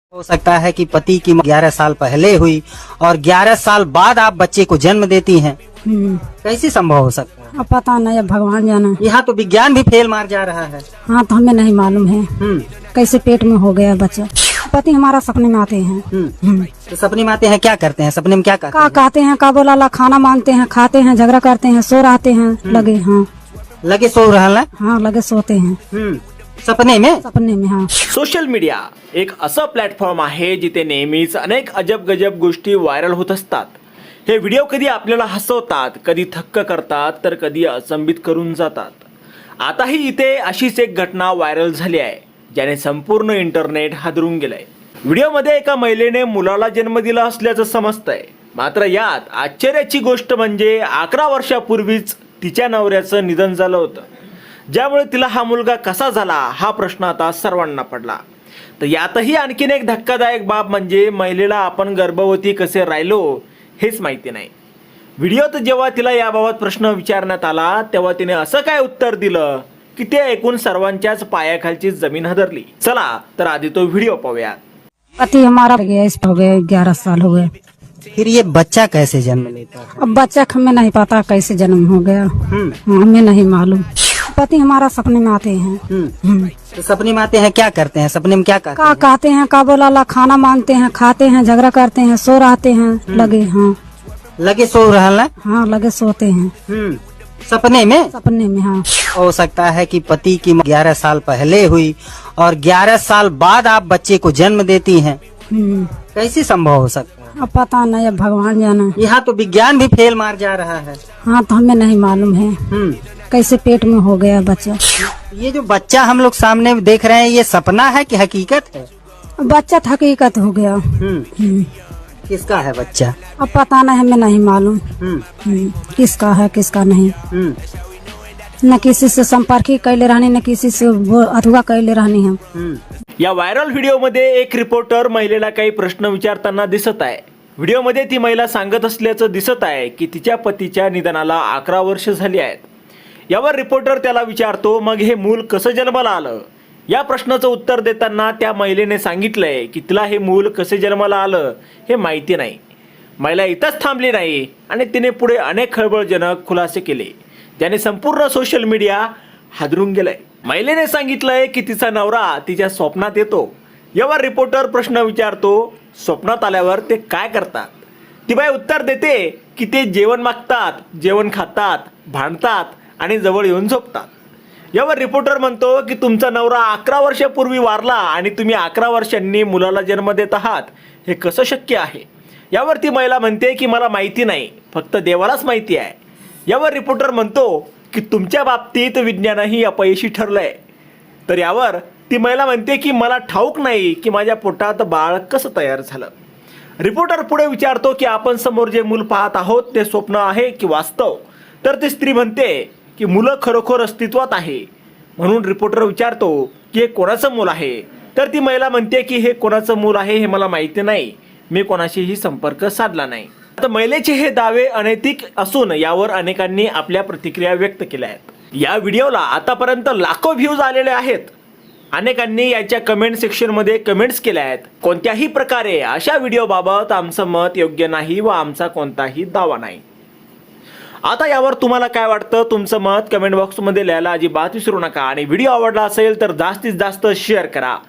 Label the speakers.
Speaker 1: हो सकता है कि पति की 11 साल पहले हुई और 11 साल बाद आप बच्चे को जन्म देती हैं। कैसे संभव हो सकता है?
Speaker 2: अब पता नहीं, अब भगवान जाना।
Speaker 1: यहाँ तो विज्ञान भी फेल मार जा रहा है।
Speaker 2: हाँ, तो हमें नहीं मालूम है कैसे पेट में हो गया बच्चा। पति हमारा सपने में आते हैं।
Speaker 1: तो सपने में आते हैं, क्या करते हैं सपने में, क्या करते
Speaker 2: का
Speaker 1: हैं?
Speaker 2: कहते हैं, का बोला ला, खाना मांगते हैं, खाते हैं, झगड़ा करते हैं, सो रहते हैं लगे। हाँ
Speaker 1: लगे सो रहा है।
Speaker 2: हाँ, लगे सोते हैं
Speaker 1: सपने में।
Speaker 2: सपने में। हाँ,
Speaker 3: सोशल मीडिया एक असं प्लॅटफॉर्म आहे जिथे नेहमीच अनेक अजब गजब गोष्टी व्हायरल होत असतात। हे व्हिडिओ कधी आपल्याला हसवतात, कधी थक्क करतात, तर कधी अचंबित करून जातात। आताही इथे अशीच एक घटना व्हायरल झाली आहे ज्याने संपूर्ण इंटरनेट हादरून गेलंय। व्हिडिओमध्ये एका महिलेने मुलाला जन्म दिला असल्याचं समजतंय, मात्र यात आश्चर्याची गोष्ट म्हणजे 11 वर्षापूर्वीच तिच्या नवऱ्याचं निधन झालं होतं, ज्यामुळे तिला हा मुलगा कसा झाला हा प्रश्न आता सर्वांना पडला। तर यातही आणखीन एक धक्कादायक बाब म्हणजे महिलेला आपण गर्भवती कसे राहिलो हेच माहिती नाही। व्हिडिओत जेव्हा तिला याबाबत प्रश्न विचारण्यात आला तेव्हा तिने असं काय उत्तर दिलं की ते ऐकून सर्वांच्याच पायाखालची जमीन हदरली। चला तर आधी तो व्हिडिओ पाहूया।
Speaker 2: पति हमारा गया, इस हो गए 11 साल हो गए।
Speaker 1: फिर ये बच्चा कैसे जन्म लेता है?
Speaker 2: अब बच्चा का हमें नहीं पता कैसे जन्म हो गया। हमें नहीं मालूम। पति हमारा सपने में आते हैं।
Speaker 1: तो सपने में आते हैं, क्या करते हैं सपने में, क्या करते
Speaker 2: का
Speaker 1: हैं?
Speaker 2: कहते हैं, का बोला ला, खाना मांगते हैं, खाते हैं, झगड़ा करते हैं, सो रहते हैं लगे। हाँ
Speaker 1: लगे सो रहा है।
Speaker 2: हाँ, लगे सोते हैं
Speaker 1: सपने में।
Speaker 2: सपने में। हाँ,
Speaker 1: हो सकता है कि पति की 11 साल पहले हुई और 11 साल बाद आप बच्चे को जन्म देती हैं। कैसे संभव हो सकता है?
Speaker 2: अब पता नहीं, अब भगवान जाना।
Speaker 1: यहाँ तो विज्ञान भी फेल मार जा रहा है।
Speaker 2: हाँ, तो हमें नहीं मालूम है कैसे पेट में हो गया बच्चा।
Speaker 1: ये जो बच्चा हम लोग सामने देख रहे हैं, ये सपना है कि हकीकत है?
Speaker 2: बच्चा तो हकीकत हो गया।
Speaker 1: किसका है बच्चा?
Speaker 2: अब पता नहीं, हमें नहीं मालूम किसका है किसका नहीं। न किसी से संपर्क ही कैले रहनी, न किसी से अथवा कैले रहनी हम।
Speaker 3: या व्हायरल व्हिडिओमध्ये एक रिपोर्टर महिलेला काही प्रश्न विचारताना दिसत आहे। व्हिडिओमध्ये ती महिला सांगत असल्याचं दिसत आहे की तिच्या पतीच्या निधनाला 11 वर्ष झाली आहेत। यावर रिपोर्टर त्याला विचारतो, मग हे मूल कसं जन्माला आलं? या प्रश्नाचं उत्तर देताना त्या महिलेने सांगितलंय की तिला हे मूल कसे जन्माला आलं हे माहिती नाही। महिला इथंच थांबली नाही आणि तिने पुढे अनेक खळबळजनक खुलासे केले ज्याने संपूर्ण सोशल मीडिया हादरून गेलंय। महिलेने सांगितलंय की तिचा नवरा तिच्या स्वप्नात येतो। यावर रिपोर्टर प्रश्न विचारतो, स्वप्नात आल्यावर ते काय करतात? ती बाई उत्तर देते की ते जेवण मागतात, जेवण खातात, भांडतात आणि जवळ येऊन झोपतात। यावर रिपोर्टर म्हणतो की तुमचा नवरा 11 वर्षापूर्वी वारला आणि तुम्ही 11 वर्षांनी मुलाला जन्म देत आहात, हे कसं शक्य आहे? यावर ती महिला म्हणते की मला माहिती नाही, फक्त देवालाच माहिती आहे। यावर रिपोर्टर म्हणतो की तुमच्या बाबतीत विज्ञानही अपयशी ठरलंय। तर यावर ती महिला म्हणते की मला ठाऊक नाही की माझ्या पोटात बाळ कसं तयार झालं। रिपोर्टर पुढे विचारतो की आपण समोर जे मूल पाहत आहोत ते स्वप्न आहे की वास्तव? तर ती स्त्री म्हणते की मुलं खरोखर अस्तित्वात आहे। म्हणून रिपोर्टर विचारतो की हे कोणाचं मूल आहे? तर ती महिला म्हणते की हे कोणाचं मूल आहे हे मला माहिती नाही, मी कोणाशीही संपर्क साधला नाही। आता महिलेचे हे दावे अनैतिक असून यावर अनेकांनी आपल्या प्रतिक्रिया व्यक्त केल्या आहेत। या व्हिडिओला आतापर्यंत लाखो व्ह्यूज आलेले आहेत। अनेकांनी याच्या कमेंट सेक्शनमध्ये कमेंट्स केल्या आहेत। कोणत्याही प्रकारे अशा व्हिडिओबाबत आमचं मत योग्य नाही व आमचा कोणताही दावा नाही। आता यावर तुम्हाला काय वाटतं? तुमचं मत कमेंट बॉक्समध्ये लिहायला अजिबात विसरू नका आणि व्हिडिओ आवडला असेल तर जास्तीत जास्त शेअर करा।